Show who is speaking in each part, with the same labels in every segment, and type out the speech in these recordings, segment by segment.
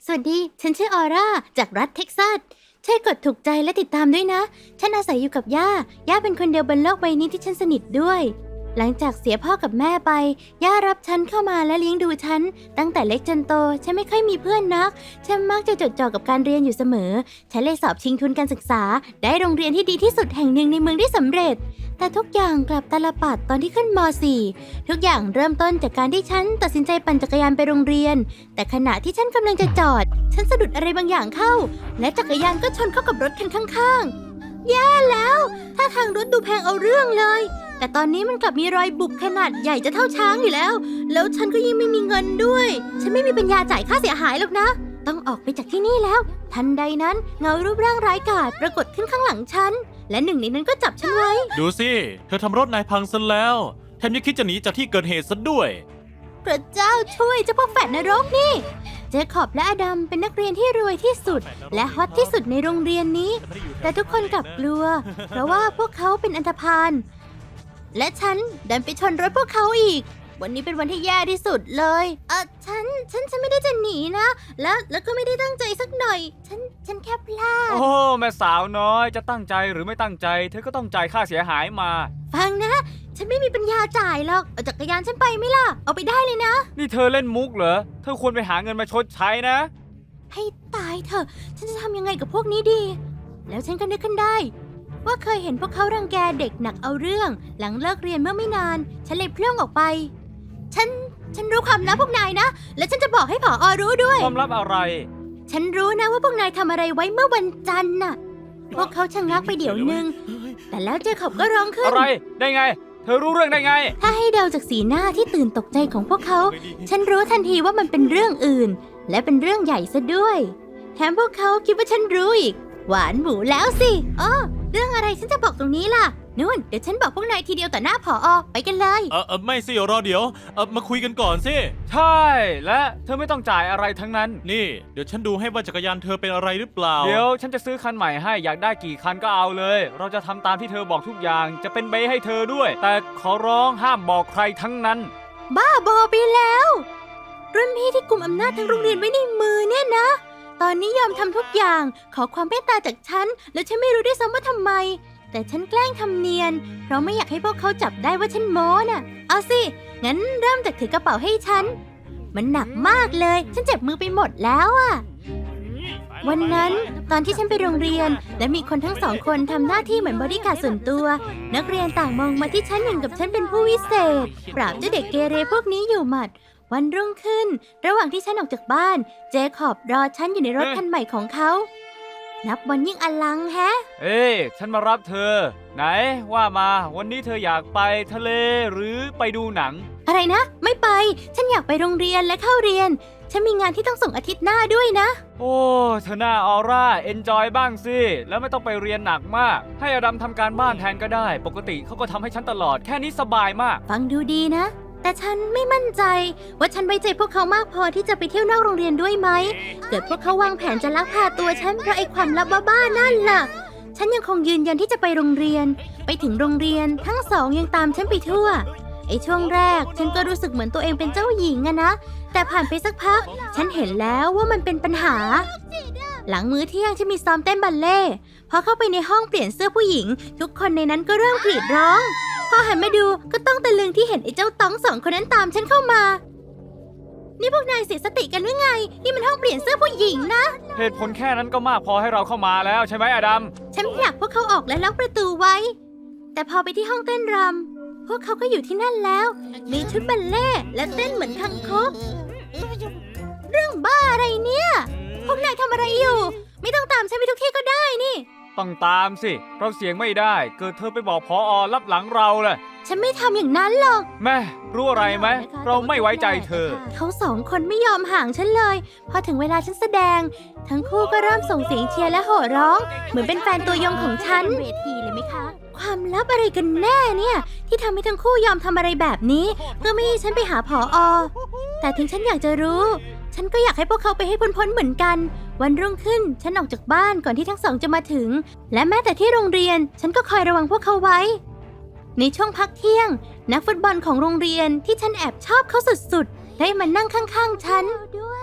Speaker 1: สวัสดี ฉันชื่อออร่าจากรัฐเท็กซัสช่วยกดถูกใจและติดตามด้วยนะ ฉันอาศัยอยู่กับย่าเป็นคนเดียวบนโลกใบนี้ที่ฉันสนิทด้วย หลังจากเสียพ่อกับแม่ไป ย่ารับฉันเข้ามาและเลี้ยงดูฉัน ตั้งแต่เล็กจนโต ฉันไม่ค่อยมีเพื่อนนัก ฉันมักจะจดจ่อกับการเรียนอยู่เสมอ ฉันเลยสอบชิงทุนการศึกษา ได้โรงเรียนที่ดีที่สุดแห่งหนึ่งในเมืองได้สำเร็จ แต่ทุกอย่างกลับตาลปัดตอนที่ขึ้นม .4 ทุกอย่างเริ่มต้นจากการที่ฉันตัดสินใจปั่นจักรยานไปโรงเรียน แต่ขณะที่ฉันกำลังจะจอด ฉันสะดุดอะไรบางอย่างเข้า และจักรยานก็ชนเข้ากับรถคันข้างๆแย่แล้วถ้าทางรถดูแพงเอาเรื่องเลยแต่ตอนนี้มันกลับมีรอยบุบขนาดใหญ่จะเท่าช้างอยู่แล้วฉันก็ยิ่งไม่มีเงินด้วยฉันไม่มีปัญญาจ่ายค่าเสียหายหรอกนะต้องออกไปจากที่นี่แล้วทันใดนั้นเงารูปร่างร้ายกาจปรากฏขึ้นข้างหลังฉันและหนึ่งในนั้นก็จับฉันไว้
Speaker 2: ดูสิเธอทำรถนายพังซะแล้วแถมยังคิดจะหนีจากที่เกิดเหตุซะด้วย
Speaker 1: พระเจ้าช่วยเจ้าพวกแฝดนรกนี่เจคอบและอดัมเป็นนักเรียนที่รวยที่สุดและฮอตที่สุดในโรงเรียนนี้แต่ทุกคนกลับกลัวเพราะว่าพวกเขาเป็นอันธพาลและฉันดันไปชนรถพวกเขาอีกวันนี้เป็นวันที่แย่ที่สุดเลยฉันไม่ได้จะหนีนะแล้วก็ไม่ได้ตั้งใจสักหน่อยฉันแค่พลาด
Speaker 3: โอ้แม่สาวน้อยจะตั้งใจหรือไม่ตั้งใจเธอก็ต้องจ่ายค่าเสียหายมา
Speaker 1: ฟังนะฉันไม่มีปัญญาจ่ายหรอกเอาจักรยานฉันไปไหมล่ะเอาไปได้เลยนะ
Speaker 3: นี่เธอเล่นมุกเหรอเธอควรไปหาเงินมาชดใช้นะ
Speaker 1: ให้ตายเถอะฉันจะทำยังไงกับพวกนี้ดีแล้วฉันก็นึกขึ้นได้ว่าเคยเห็นพวกเขารังแกเด็กหนักเอาเรื่องหลังเลิกเรียนเมื่อไม่นานฉันเลยเพลื่องออกไปฉันรู้ความลับพวกนายนะและฉันจะบอกให้ผอ.รู้ด้วย
Speaker 3: ความลับอะไร
Speaker 1: ฉันรู้นะว่าพวกนายทำอะไรไว้เมื่อวันจันทร์น่ะพวกเขาชะงักไปเดี๋ยวนึงแต่แล้วเจคอบก็ร้องขึ้น
Speaker 3: อะไรได้ไงเธอรู้เรื่องได้ไง
Speaker 1: ถ้าให้เดาจากสีหน้าที่ตื่นตกใจของพวกเขาฉันรู้ทันทีว่ามันเป็นเรื่องอื่นและเป็นเรื่องใหญ่ซะด้วยแถมพวกเขาคิดว่าฉันรู้อีกหวานหมูแล้วสิเรื่องอะไรฉันจะบอกตรงนี้ล่ะนู่นเดี๋ยวฉันบอกพวกนายทีเดียวต่อหน้าผอ.ไปกันเลย
Speaker 2: ไม่สิรอเดี๋ยวมาคุยกันก่อนสิ
Speaker 3: ใช่และเธอไม่ต้องจ่ายอะไรทั้งนั้น
Speaker 2: นี่เดี๋ยวฉันดูให้ว่าจักรยานเธอเป็นอะไรหรือเปล่า
Speaker 3: เดี๋ยวฉันจะซื้อคันใหม่ให้อยากได้กี่คันก็เอาเลยเราจะทำตามที่เธอบอกทุกอย่างจะเป็นเบย์ให้เธอด้วยแต่ขอร้องห้ามบอกใครทั้งนั้น
Speaker 1: บ้าบอไปแล้วรุ่นพี่ที่กุมอำนาจทั้งโรงเรียนไว้ในมือเนี่ยนะตอนนี้ยอมทำทุกอย่างขอความเมตตาจากฉันแล้วฉันไม่รู้ด้วยซ้ำว่าทำไมแต่ฉันแกล้งทำเนียนเพราะไม่อยากให้พวกเขาจับได้ว่าฉันโม้น่ะเอาสิงั้นเริ่มจากถือกระเป๋าให้ฉันมันหนักมากเลยฉันเจ็บมือไปหมดแล้วอะวันนั้นตอนที่ฉันไปโรงเรียนและมีคนทั้งสองคนทำหน้าที่เหมือนบอดี้การ์ดส่วนตัวนักเรียนต่างมองมาที่ฉันเหมือนกับฉันเป็นผู้วิเศษปราบเจ้าเด็กเกเรพวกนี้อยู่หมัดวันรุ่งขึ้นระหว่างที่ฉันออกจากบ้านเจคอบรอฉันอยู่ในรถคันใหม่ของเขานับวันยิ่งอลังแฮะ
Speaker 3: ฉันมารับเธอไหนว่ามาวันนี้เธออยากไปทะเลหรือไปดูหนัง
Speaker 1: อะไรนะไม่ไปฉันอยากไปโรงเรียนและเข้าเรียนฉันมีงานที่ต้องส่งอาทิตย์หน้าด้วยนะ
Speaker 3: โอ้เธอหน้าออร่าเอนจอยบ้างสิแล้วไม่ต้องไปเรียนหนักมากให้อดัมทำการบ้านแทนก็ได้ปกติเขาก็ทำให้ฉันตลอดแค่นี้สบายมาก
Speaker 1: ฟังดูดีนะแต่ฉันไม่มั่นใจว่าฉันไว้ใจพวกเขามากพอที่จะไปเที่ยวนอกโรงเรียนด้วยไหมเกิดพวกเขาวางแผนจะลักพาตัวฉันเพราะไอ้ความลับบ้าๆนั่นล่ะฉันยังคงยืนยันที่จะไปโรงเรียนไปถึงโรงเรียนทั้งสองยังตามฉันไปทั่วไอ้ช่วงแรกฉันก็รู้สึกเหมือนตัวเองเป็นเจ้าหญิงอะนะแต่ผ่านไปสักพักฉันเห็นแล้วว่ามันเป็นปัญหาหลังมื้อเที่ยงฉันมีซ้อมเต้นบัลเล่ต์พอเข้าไปในห้องเปลี่ยนเสื้อผู้หญิงทุกคนในนั้นก็เริ่มกรีดร้องพอหันมาดูก็ต้องตะลึงที่เห็นไอ้เจ้าต้องสองคนนั้นตามฉันเข้ามานี่พวกนายเสียสติกันหรือไงนี่มันห้องเปลี่ยนเสื้อผู้หญิงนะ
Speaker 3: เหตุผลแค่นั้นก็มากพอให้เราเข้ามาแล้วใช่ไหมอดัม
Speaker 1: ฉันอยากพวกเขาออกและล็อกประตูไว้แต่พอไปที่ห้องเต้นรำพวกเขาก็อยู่ที่นั่นแล้วมีชุดบัลเล่ต์และเต้นเหมือนคังคกเรื่องบ้าอะไรเนี่ยพวกนายทำอะไรอยู่ไม่ต้องตามฉันไปทุกที่ก็ได้นี่
Speaker 3: ต้องตามสิเราเสียงไม่ได้เกิดเธอไปบอกผอ.รับหลังเราแหละ
Speaker 1: ฉันไม่ทำอย่างนั้นหรอก
Speaker 3: แม่รู้อะไรไหมเราไม่ไว้ใจเธอ
Speaker 1: เขาสองคนไม่ยอมห่างฉันเลยพอถึงเวลาฉันแสดงทั้งคู่ก็เริ่มส่งเสียงเชียร์และโห่ร้องเหมือนเป็นแฟนตัวยงของฉันเวทีเลยไหมคะความลับอะไรกันแน่เนี่ยที่ทำให้ทั้งคู่ยอมทำอะไรแบบนี้เพื่อไม่ให้ฉันไปหาผอ.แต่ถึงฉันอยากจะรู้ฉันก็อยากให้พวกเขาไปให้พ้นๆเหมือนกันวันรุ่งขึ้นฉันออกจากบ้านก่อนที่ทั้งสองจะมาถึงและแม้แต่ที่โรงเรียนฉันก็คอยระวังพวกเขาไว้ในช่วงพักเที่ยงนักฟุตบอลของโรงเรียนที่ฉันแอบชอบเขาสุดๆได้มานั่งข้างๆฉัน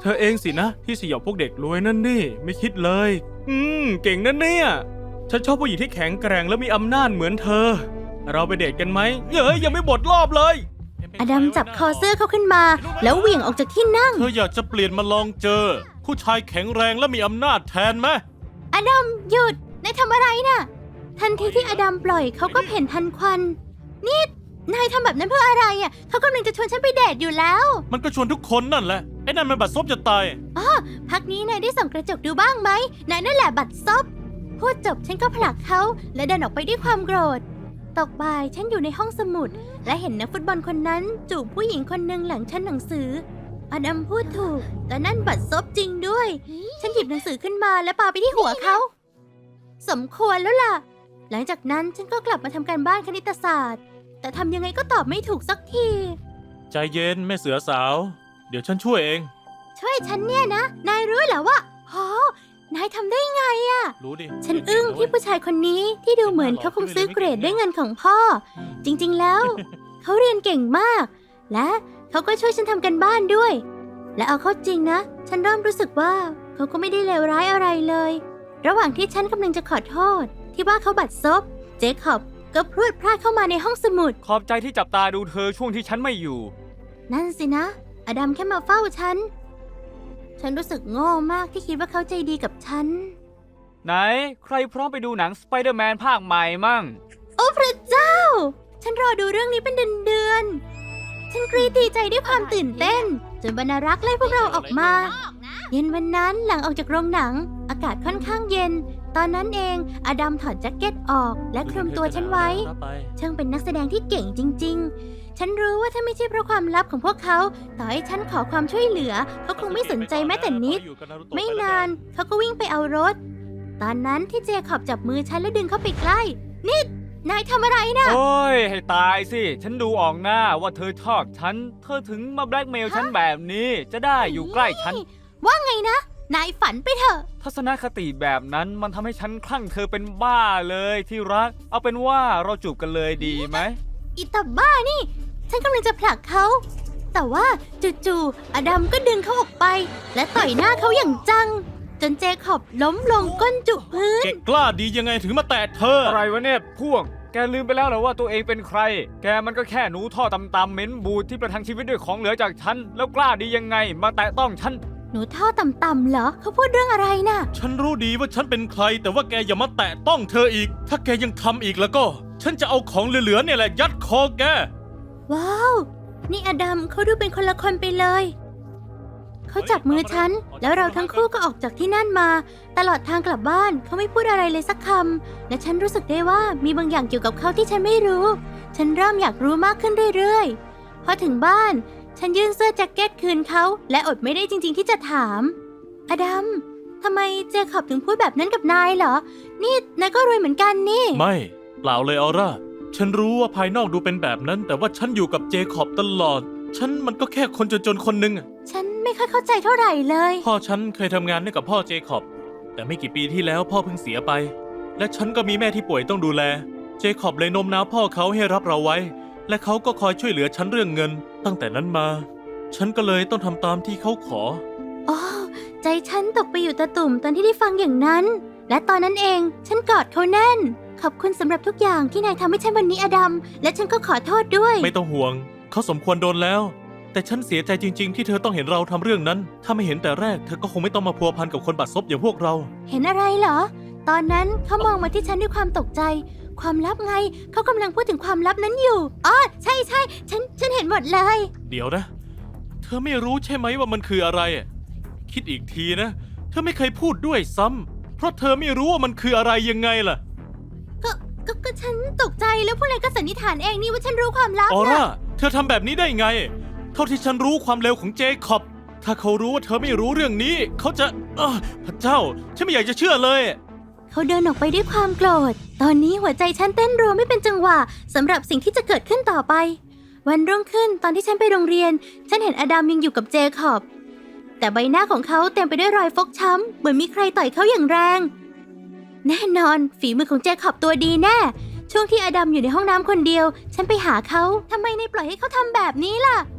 Speaker 4: เธอเองสินะที่สยบพวกเด็กรวยนั่นนี่ไม่คิดเลย เก่งนั่นเนี่ยฉันชอบผู้หญิงที่แข็งแกร่งและมีอำนาจเหมือนเธอ เราไปเดทกันไหมยังไม่หมดรอบเลย
Speaker 1: อดัมจับคอเสื้อเขาขึ้นมา แล้วเหวี่ยงออกจากที่นั่ง
Speaker 2: เธออยากจะเปลี่ยนมาลองเจอ ผู้ชายแข็งแรงและมีอำนาจแทนไหม
Speaker 1: อดัมหยุดนายทำอะไรน่ะ ทันทีที่อดัมปล่อยเขาก็เพ่นทันควันนี่นายทำแบบนั้นเพื่ออะไรอ่ะเขากำลังจะชวนฉันไปเดทอยู่แล้ว
Speaker 2: มันก็ชวนทุกคนนั่นแหละไอ้นั่นมันบัดซบจะตาย
Speaker 1: พักนี้นายได้ส่องกระจกดูบ้างไหมนายนั่นแหละบัดซบพูดจบฉันก็ผลักเขาและเดินออกไปด้วยความโกรธตกบ่ายฉันอยู่ในห้องสมุดและเห็นนักฟุตบอลคนนั้นจูบผู้หญิงคนหนึ่งหลังชั้นหนังสืออดัมพูดถูกแต่นั่นบัดซบจริงด้วย ฉันหยิบหนังสือขึ้นมาและปาไปที่หัวเขาสมควรแล้วล่ะหลังจากนั้นฉันก็กลับมาทำการบ้านคณิตศาสตร์แต่ทำยังไงก็ตอบไม่ถูกสักที
Speaker 2: ใจเย็นแม่เสือสาว เดี๋ยวฉันช่วยเอง
Speaker 1: ช่วยฉันเนี่ยนะนายรู้เหรอว่านายทำได้ไงอะ
Speaker 2: รู้ดิ
Speaker 1: ฉันอึ้งที่ผู้ชายคนนี้ที่ดูเหมือนเขาคงซื้อเกรดด้วยเงินของพ่อ จริงๆแล้ว เขาเรียนเก่งมาก และเขาก็ช่วยฉันทำกันบ้านด้วย และเอาเข้าจริงนะ ฉันเริ่มรู้สึกว่าเขาก็ไม่ได้เลวร้ายอะไรเลย ระหว่างที่ฉันกำลังจะขอโทษ ที่ว่าเขาบัดซบเจคอบก็พรวดพลาดเข้ามาในห้องสมุด
Speaker 3: ขอบใจที่จับตาดูเธอช่วงที่ฉันไม่อยู่
Speaker 1: นั่นสินะ อดัมแค่มาเฝ้าฉันรู้สึกโง่มากที่คิดว่าเขาใจดีกับฉัน
Speaker 3: ไหนใครพร้อมไปดูหนังสไปเดอร์แมนภาคใหม่มั่ง
Speaker 1: โอ้พระเจ้า ฉันรอดูเรื่องนี้เป็นเดือนๆฉันกรีดดีใจด้วยความตื่นเต้นจนบรรณารักษ์ไล่พวกเราออกมา เย็นวันนั้นหลังออกจากโรงหนัง อากาศค่อนข้างเย็น ตอนนั้นเองอดัมถอดแจ็คเก็ตออกและคลุมตัวฉันไว้ ช่างเป็นนักแสดงที่เก่งจริงๆ ฉันรู้ว่าถ้าไม่ใช่เพราะความลับของพวกเขา ต่อให้ฉันขอความช่วยเหลือ เขาคงไม่สนใจแม้แต่นิด ไม่นานเขาก็วิ่งไปเอารถ ตอนนั้นที่เจคอบจับมือฉันแล้วดึงเข้าไปใกล้นี่นายทำอะไรนะ
Speaker 3: โอ้ยให้ตายสิ ฉันดูออกหน้าว่าเธอชอบฉัน เธอถึงมาแบล็กเมลฉันแบบนี้ จะได้อยู่ใกล้ฉัน
Speaker 1: ว่าไงนะ นายฝันไปเถอะ
Speaker 3: ทัศนคติแบบนั้นมันทำให้ฉันคลั่งเธอเป็นบ้าเลยที่รัก เอาเป็นว่าเราจูบกันเลยดีไหม
Speaker 1: อีตาบ้านี่ ฉันกำลังจะผลักเขา แต่ว่าจู่ๆอดัมก็ดึงเขาออกไป และต่อยหน้าเขาอย่างจัง จนเจคอบล้มลงก้นจุกพื้น
Speaker 2: แกกล้าดียังไงถึงมาแตะเธอ
Speaker 3: อะไรวะเนี่ยพวก แกลืมไปแล้วเหรอว่าตัวเองเป็นใคร แกมันก็แค่หนูท่อตำๆเหม็นบูดที่ประทังชีวิตด้วยของเหลือจากฉัน แล้วกล้าดียังไงมาแตะต้องฉัน
Speaker 1: หนูท่อต่ำๆเหรอ เขาพูดเรื่องอะไรน่ะ
Speaker 2: ฉันรู้ดีว่าฉันเป็นใคร แต่ว่าแกอย่ามาแตะต้องเธออีก ถ้าแกยังทำอีกแล้วก็ ฉันจะเอาของเหลือๆเนี่ยแหละยัดคอแก
Speaker 1: ว้าว นี่อดัมเขาดูเป็นคนละคนไปเลย เขาจับมือฉัน แล้วเราทั้งคู่ก็ออกจากที่นั่นมา ตลอดทางกลับบ้านเขาไม่พูดอะไรเลยสักคำ และฉันรู้สึกได้ว่ามีบางอย่างเกี่ยวกับเขาที่ฉันไม่รู้ ฉันเริ่มอยากรู้มากขึ้นเรื่อยๆ พอถึงบ้าน ฉันยื่นเสื้อแจ็คเก็ตคืนเขา และอดไม่ได้จริงๆที่จะถาม อดัมทำไมเจคอบถึงพูดแบบนั้นกับนายเหรอ นี่นายก็รวยเหมือนกันนี่
Speaker 2: ไม่เปล่าเลยออร่า ฉันรู้ว่าภายนอกดูเป็นแบบนั้น แต่ว่าฉันอยู่กับเจคอบตลอด ฉันมันก็แค่คนจนๆคนหนึ่งอะ
Speaker 1: ฉันไม่ค่อยเข้าใจเท่าไหร่เลย
Speaker 2: พ่อฉันเคยทำงานด้วยกับพ่อเจคอบ แต่ไม่กี่ปีที่แล้วพ่อเพิ่งเสียไป และฉันก็มีแม่ที่ป่วยต้องดูแล เจคอบเลยโน้มน้าวพ่อเขาให้รับเราไว้ และเขาก็คอยช่วยเหลือฉันเรื่องเงิน ตั้งแต่นั้นมา ฉันก็เลยต้องทำตามที่เขาขอ
Speaker 1: อ๋อ ใจฉันตกไปอยู่ตะตุ่มตอนที่ได้ฟังอย่างนั้น และตอนนั้นเองฉันกอดเขาแน่น ขอบคุณสำหรับทุกอย่างที่นายทำให้ฉันวันนี้อดัม และฉันก็ขอโทษด้วย
Speaker 2: ไม่ต้องห่วง เขาสมควรโดนแล้ว แต่ฉันเสียใจจริง ๆ ที่เธอต้องเห็นเราทำเรื่องนั้น ถ้าไม่เห็นแต่แรกเธอก็คงไม่ต้องมาพัวพันกับคนบัดซบอย่างพวกเรา
Speaker 1: เห็นอะไรเหรอ ตอนนั้นเขามองมาที่ฉันด้วยความตกใจ ความลับไง เขากำลังพูดถึงความลับนั้นอยู่ อ๋อ ใช่ฉันเห็นหมดเลย
Speaker 2: เดี๋ยวนะ เธอไม่รู้ใช่ไหมว่ามันคืออะไรอะคิดอีกทีนะ เธอไม่เคยพูดด้วยซ้ำเพราะเธอไม่รู้ว่ามันคืออะไรยังไงล่ะ
Speaker 1: ก็ฉันตกใจแล้วพวกนายก็สันนิษฐานเองนี่ว่าฉันรู้ความลับ
Speaker 2: ออร่า
Speaker 1: นะ
Speaker 2: เธอทำแบบนี้ได้ไง เท่าที่ฉันรู้ความเร็วของเจคอบ ถ้าเขารู้ว่าเธอไม่รู้เรื่องนี้ เขาจะพระเจ้า ฉันไม่อยากจะเชื่อเลย
Speaker 1: เขาเดินออกไปด้วยความโกรธ ตอนนี้หัวใจฉันเต้นรัวไม่เป็นจังหวะสำหรับสิ่งที่จะเกิดขึ้นต่อไป วันรุ่งขึ้นตอนที่ฉันไปโรงเรียน ฉันเห็นอดัมยังอยู่กับเจคอบ แต่ใบหน้าของเขาเต็มไปด้วยรอยฟกช้ำเหมือนมีใครต่อยเขาอย่างแรง แน่นอนฝีมือของเจคอบตัวดีแน่ ช่วงที่อดัมอยู่ในห้องน้ำคนเดียว ฉันไปหาเขาทำไมนายปล่อยให้เขาทำแบบนี้ล่ะ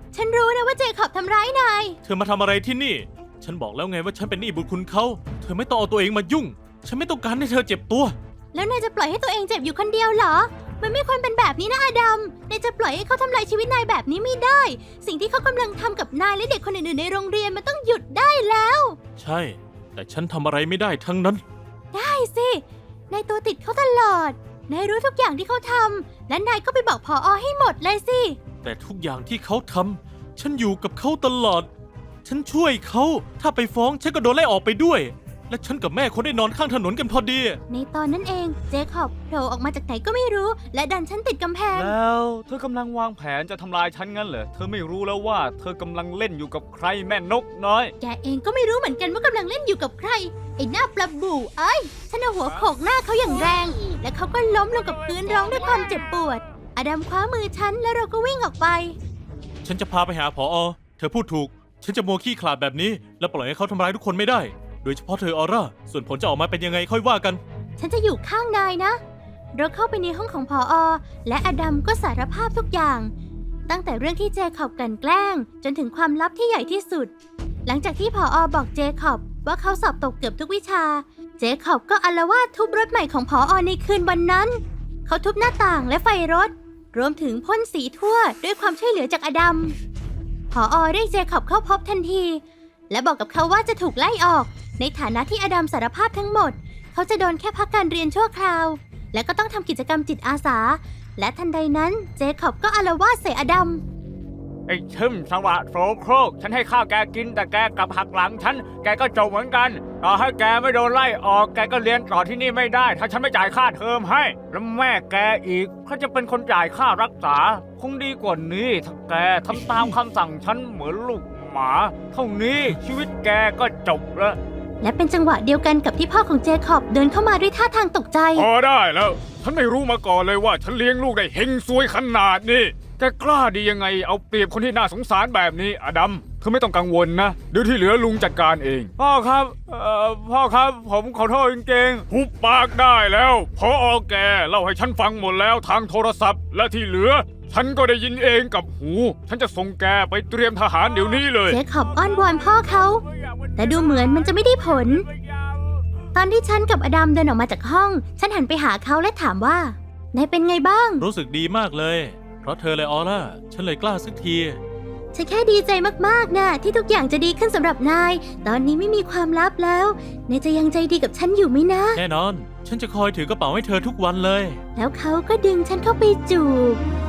Speaker 1: ฉันรู้นะว่าเจคอบทำร้ายนาย
Speaker 2: เธอมาทำอะไรที่นี่ ฉันบอกแล้วไงว่าฉันเป็นหนี้บุญคุณเขา เธอไม่ต้องเอาตัวเองมายุ่ง ฉันไม่ต้องการให้เธอเจ็บตัว
Speaker 1: แล้วนายจะปล่อยให้ตัวเองเจ็บอยู่คนเดียวเหรอ มันไม่ควรเป็นแบบนี้นะอดัม นายจะปล่อยให้เขาทำลายชีวิตนายแบบนี้ไม่ได้ สิ่งที่เขากำลังทำกับนายและเด็กคนอื่นๆในโรงเรียนมันต้องหยุดได้แล้ว
Speaker 2: ใช่ แต่ฉันทำอะไรไม่ได้ทั้งนั้น
Speaker 1: ได้สิ นายตัวติดเขาตลอด นายรู้ทุกอย่างที่เขาทำ และนายก็ไปบอกผอ.ให้หมดเลยสิ
Speaker 2: แต่ทุกอย่างที่เขาทำฉันอยู่กับเขาตลอด ฉันช่วยเขา ถ้าไปฟ้องฉันก็โดนไล่ออกไปด้วย และฉันกับแม่คนได้นอนข้างถนนกันพอดี
Speaker 1: ในตอนนั้นเอง เจคอบโผล่ออกมาจากไหนก็ไม่รู้ และดันฉันติดกำแพง
Speaker 3: แล้วเธอกำลังวางแผนจะทำลายฉันงั้นเหรอ เธอไม่รู้แล้วว่าเธอกำลังเล่นอยู่กับใครแม่นกน้อย
Speaker 1: แกเองก็ไม่รู้เหมือนกันว่ากำลังเล่นอยู่กับใคร ไอ้หน้าปลาบู่เอ้ย ฉันเอาหัวโขกหน้าเขาอย่างแรง และเขาก็ล้มลงกับพื้นร้องด้วยความเจ็บปวด อดัมคว้ามือฉันแล้วเราก็วิ่งออกไป
Speaker 2: ฉันจะพาไปหาผอ.เธอพูดถูก ฉันจะมัวขี้ขลาดแบบนี้ แล้วปล่อยให้เขาทำร้ายทุกคนไม่ได้ โดยเฉพาะเธอออร่า ส่วนผลจะออกมาเป็นยังไงค่อยว่ากัน
Speaker 1: ฉันจะอยู่ข้างนายนะ เราเข้าไปในห้องของผอ.และอดัมก็สารภาพทุกอย่าง ตั้งแต่เรื่องที่เจคอบกลั่นแกล้ง จนถึงความลับที่ใหญ่ที่สุด หลังจากที่ผอ.บอกเจคอบว่าเขาสอบตกเกือบทุกวิชา เจคอบก็อาละวาดทุบรถใหม่ของผอ.ในคืนวันนั้น เขาทุบหน้าต่างและไฟรถ รวมถึงพ่นสีทั่วด้วยความช่วยเหลือจากอดัม ผอ.เรียกเจคอบเข้าพบทันที และบอกกับเขาว่าจะถูกไล่ออก ในฐานะที่อดัมสารภาพทั้งหมด เขาจะโดนแค่พักการเรียนชั่วคราว และก็ต้องทำกิจกรรมจิตอาสา และทันใดนั้นเจคอบก็อาละวาดใส่อดัม
Speaker 3: ไอ้ชึมสวะโสโครก ฉันให้ข้าวแกกินแต่แกกลับหักหลังฉัน แกก็จบเหมือนกัน ต่อให้แกไม่โดนไล่ออก แกก็เรียนต่อที่นี่ไม่ได้ ถ้าฉันไม่จ่ายค่าเทอมให้ แล้วแม่แกอีกเขาจะเป็นคนจ่ายค่ารักษา คงดีกว่านี้ถ้าแกทำตามคำสั่งฉันเหมือนลูกหมา เท่านี้ชีวิตแกก็จบแล้ว
Speaker 1: และเป็นจังหวะเดียวกันกับที่พ่อของเจคอบเดินเข้ามาด้วยท่าทางตกใจ
Speaker 3: พอได้แล้ว ฉันไม่รู้มาก่อนเลยว่าฉันเลี้ยงลูกได้เฮงซวยขนาดนี้แกกล้าดียังไงเอาเปรียบคนที่น่าสงสารแบบนี้อดัมเธอไม่ต้องกังวลนะเดี๋ยวที่เหลือลุงจัดการเองพ่อครับพ่อครับผมขอโทษจริงๆหุบปากได้แล้วพอแกเล่าให้ฉันฟังหมดแล้วทางโทรศัพท์ และที่เหลือ ฉันก็ได้ยินเองกับหู ฉันจะส่งแกไปเตรียมทหารเดี๋ยวนี้เลย
Speaker 1: เจคอบอ้อนวอนพ่อเขา แต่ดูเหมือนมันจะไม่ได้ผล ตอนที่ฉันกับอดัมเดินออกมาจากห้อง ฉันหันไปหาเขาและถามว่านายเป็นไงบ้าง
Speaker 2: รู้สึกดีมากเลย เพราะเธอเลยออร่า ฉันเลยกล้าสักที
Speaker 1: ฉันแค่ดีใจมากๆนะที่ทุกอย่างจะดีขึ้นสำหรับนาย ตอนนี้ไม่มีความลับแล้ว นายจะยังใจดีกับฉันอยู่ไหมนะ
Speaker 2: แน่นอน ฉันจะคอยถือกระเป๋าให้เธอทุกวันเลย
Speaker 1: แล้วเขาก็ดึงฉันเข้าไปจูบ